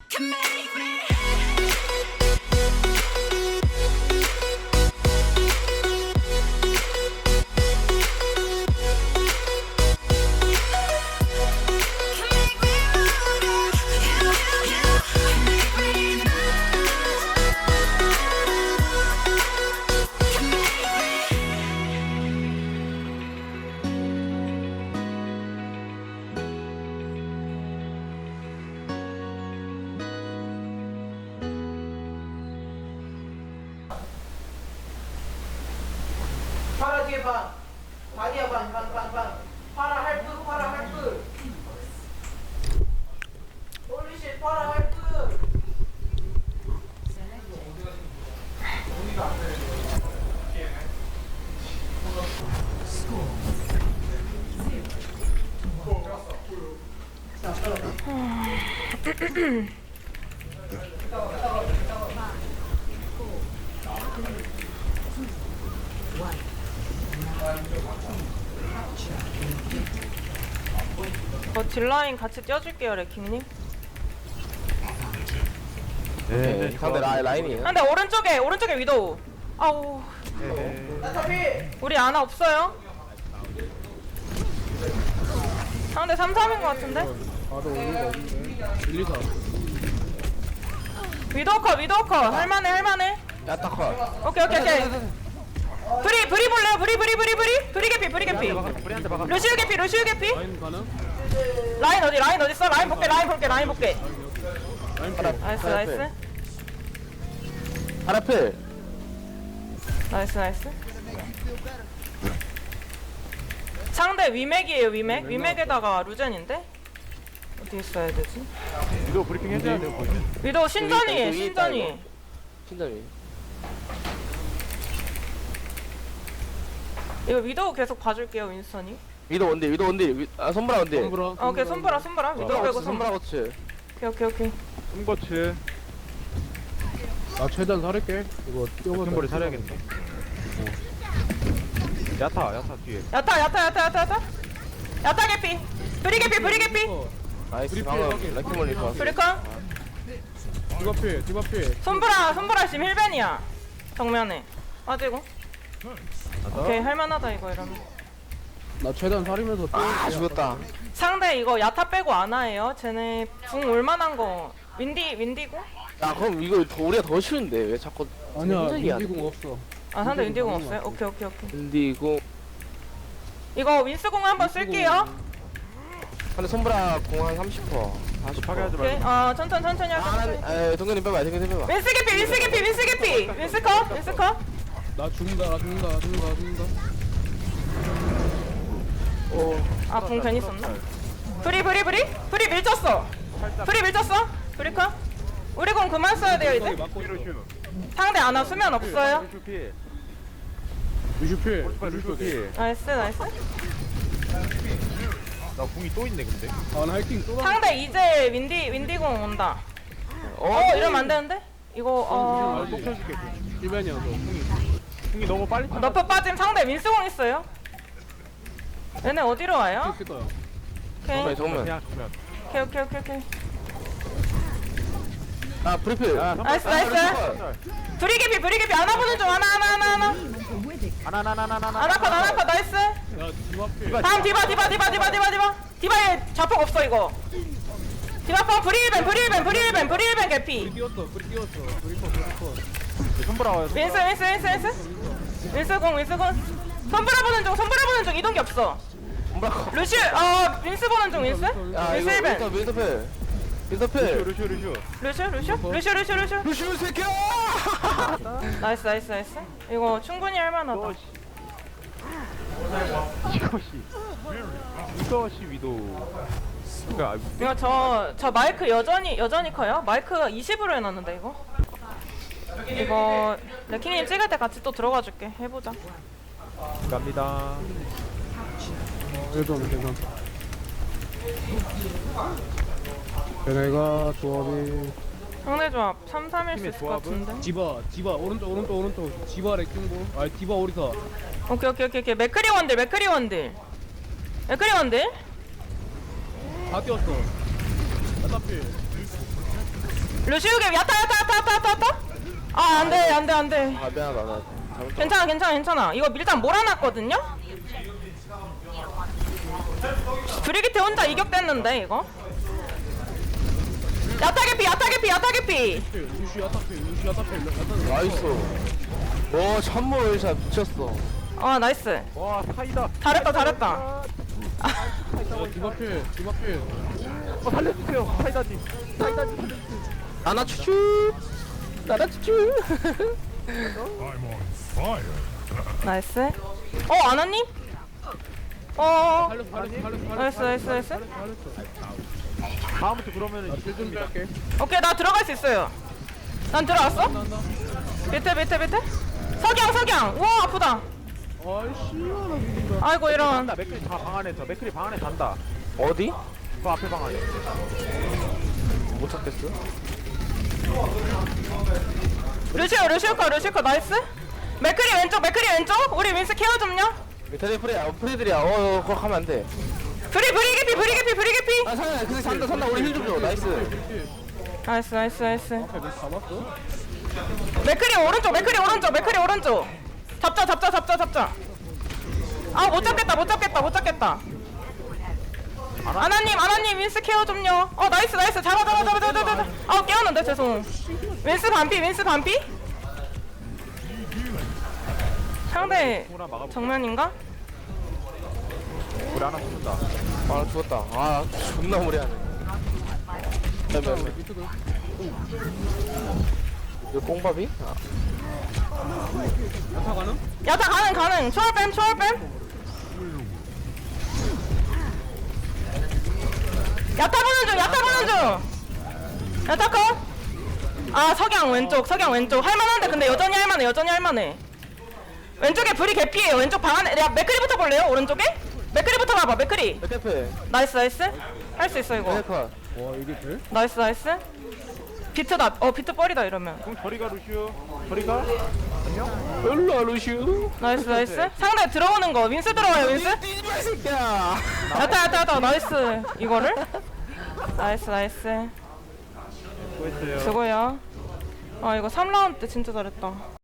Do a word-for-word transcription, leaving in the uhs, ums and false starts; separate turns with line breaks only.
can make me. Can make me wanna. You, you, you can make me move. Can make me.
파라 뒤에 반, 다리야 반, 반, 반, 반. 파라 할프, 파라 할프. 홀리쉣, 파라 할프.
어, 딜라인 같이 띄워줄게요, 레킹님.
네, 상대 라, 라인이에요.
근데 오른쪽에, 오른쪽에 위도우. 아우,
나타피.
우리 아나 없어요? 상대 삼, 삼인 것 같은데?
바로 오는 거 없는데 일, 이, 사
위도우 컷, 위도우 컷. 할만해, 할만해.
야타 컷.
오케이, 오케이, 오케이. 브리, 브리 볼래요? 브리, 브리, 브리, 브리? 브리 개피, 브리 개피.
우리한테 막아.
루시우 개피, 루시우 개피.
라인 가능?
라인 어디, 라인 어디 있어? 라인 볼게, 라인 볼게, 라인 볼게.
라인
파라,
필
나이스,
파라
나이스.
필. 파라 필.
나이스, 나이스. 상대 위맥이에요, 위맥. 위맥에다가 루젠인데? 어디 있어야 되지?
이거 브리핑 해줘야 돼요. 거의.
위도우 신전이에요,
여기 있다,
신전이.
이거. 신점이.
이거 위도우 계속 봐줄게요, 윈스턴이.
위도 원딜, 위도 원딜. 위- 아 손브라 원딜.
손브라
어, 오케이, 손보라, 손보라. 위도우
손브라
빼고
고치,
손보라.
손브라 고치.
오케이, 오케이, 오케이.
손거츠
나 최대한 살릴게 이거 뛰어가
손거를 차려야겠네. 야타 야타 뒤에
야타, 야타, 야타, 야타, 야타. 야타 개피. 브리 개피, 브리 개피.
나이스.
브리핑
방금
확인.
래킹 몰리 좋았어.
브리컨.
디바 필 디바 필
손보라, 손보라 지금 힐벤이야. 정면에. 빠지고. 오케이, 할만하다, 이거 이러면.
나 최대한 살리면서 뛰어
아 죽었다.
상대 이거 야타 빼고 아나예요. 쟤네 궁 올만한 거. 윈디, 윈디고?
야 그럼 이거 더, 우리가 더 쉬운데 왜 자꾸
아니야
흔들리게 하냐?
민지공 없어
아, 상대 윈디 궁
윈디궁
없어요? 오케이, 오케이, 오케이.
근디고
이거 윈스 궁 한번 쓸게요.
근데 손브라 공한 삼십 퍼센트. 사십
파괴하지
오케이.
말고
어, 천천히, 천천히
아,
하자.
에 동현이 빼봐, 동현이 빼봐.
윈스 개피, 윈스 개피, 윈스 개피. 윈스 컷, 윈스 컷.
나 죽는다 나 죽는다 나 죽는다 나 죽는다
아, 궁 괜히 썼나? 브리, 브리, 브리? 브리 밀쳤어. 브리 밀쳤어. 브리 컷. 우리 공 그만 써야 돼요, 이제.
맞고 있어
루슈
상대 아나 수면 없어요.
루슈 피
루슈 필
루슈
루슈 필
피
나이스, 나이스.
나 궁이 또 있네 근데
아나 하이킹 또 가-
상대 이제 윈디, 윈디 공 온다. 어, 이러면 안 되는데? 이거, 어.
또 켜줄게 궁.
일반이야 너 궁이
궁이 너무 빨리 차
너프 빠짐 상대 윈스 공 있어요. 얘네 어디로 와요?
있을 거야
오케이.
정면, 정면.
그냥 정면
오케이, 오케이, 오케이, 오케이.
아 브리필.
야
나이스, 나이스. 브리개피, 브리개피. 아나 보는 중, 아나, 아나, 아나, 아나.
아나나나나나나
아나 컷, 아나 컷, 나이스.
야 디바 필
다음 디바, 디바, 디바, 디바, 디바, 디바. 디바에 자폭 없어, 이거. 디바 펑 브리일벤, 브리일벤, 브리일벤, 브리일벤
불이
개피.
띄웠어 불이 띄웠어 브리커 브리커
손보라 와요
윈스, 윈스, 윈스, 윈스. 윈스 공, 윈스 공. 손브라 보는 중, 손브라 보는 중. 이동기 없어.
손브라 컷.
루시, 어, 윈스 보는 중, 윈스.
야
윈스
이거
일벤.
윈터 윈터필. 윈터필.
루슈 루슈
루시, 루시, 루시, 루시, 루시.
루시우 새끼야.
나이스, 나이스, 나이스. 이거 충분히 할만하다.
이것이 이것이 이것이 위도 그니까
이거 저, 저 마이크 여전히, 여전히 커요? 마이크 이십으로 해놨는데, 이거? 이거, 레킹님 찍을 때 같이 또 들어가 줄게. 해보자.
갑니다
일단 괜찮 얘네가 조합이
상대 조합 삼, 삼일 수
팀의
있을 것
조합은?
같은데.
디바 디바 오른쪽 오른쪽 오른쪽 디바 레킹볼 아니 디바 오리사
오케이, 오케이, 오케이, 오케이. 맥크리 원딜, 맥크리 원딜. 맥크리 원딜?
다 뛰었어 야타 필
루시우게 야타 야타 야타 야타 야타 야타. 아 안돼 안돼 안돼.
아 미안하다 나 잘못.
괜찮아 괜찮아 괜찮아. 이거 일단 몰아놨거든요. 브리기트 혼자 이격됐는데 이거. 야타 개피 야타 개피 야타 개피.
루시 야타페 루시 야타페 야타.
나이스. 오 천물 샷 미쳤어.
아 나이스.
와 사이다.
잘했다 잘했다.
어 디바필 디바필.
어 살려주세요. 사이다지. 사이다지 살려주세요.
나나 추추. 나나 추추.
나이스. 어 아나님? 어.
살렸어 살렸어 살렸어.
나이스 나이스 나이스.
살렸어.
다음부터 그러면은
나 딜좀 할게.
오케이 나 들어갈 수 있어요. 난 들어왔어?
난다.
밑에 밑에 밑에. 석양 석양. 와 아프다.
아이씨 나 죽는다.
아이고 이런.
간다. 맥클이 다방 안에서. 맥클이 방 안에 간다.
어디?
그 앞에 방 안에.
못 찾겠어.
루시오 루시오 컷 루시오 컷 나이스. 맥크리 왼쪽 맥크리 왼쪽. 우리 윈스 케어 좀요.
밑에 프레 어, 프레들이야. 어 그거 하면 안 돼.
브리 브리 개피 브리 개피 브리 개피.
아 상아 근데 산다 산다 우리 힐 좀 줘. 나이스.
나이스 나이스 나이스.
앞에 몇 잡았어?
맥크리 오른쪽 맥크리 오른쪽 맥크리 오른쪽. 잡자 잡자 잡자 잡자. 아 못 잡겠다 못 잡겠다 못 잡겠다. 아나님 아나님 윈스 케어 좀요. 어 나이스 나이스 잡아 잡아 잡아 잡아 잡아. 아 깨웠는데 죄송. 윈스 반피 윈스 반피. 상대
누구나 막아보.
정면인가?
우리 하나 죽는다.
아 죽었다. 아 존나 무리하네. 잠깐만.
밑에도.
이거 뽕밥이? 아,
야타 가능?
야타 가능 가능. 초월 뺨 초월 뺨. 야타 보는 중 야타 보는 중. 야타 컷. 아 석양 왼쪽 석양 왼쪽 할만한데 근데 여전히 할만해 여전히 할만해. 왼쪽에 불이 개피예요. 왼쪽 방 안에. 야 맥크리부터 볼래요? 오른쪽에? 맥크리부터 봐봐 맥크리.
백대패.
나이스 나이스. 할 수 있어 이거.
백대패.
와 이게 돼?
나이스 나이스. 비트다. 어 비트 뻘이다 이러면.
그럼 저리 가 루시오. 저리 가. 안녕.
일로 와 루시우.
나이스 나이스. 상대 들어오는 거 윈스 들어와요 윈스.
뛰지마 이 새끼야.
야타 야타 야타 나이스. 이거를? 나이스 나이스.
수고했어요.
수고해요. 아 이거 삼 라운드 때 진짜 잘했다.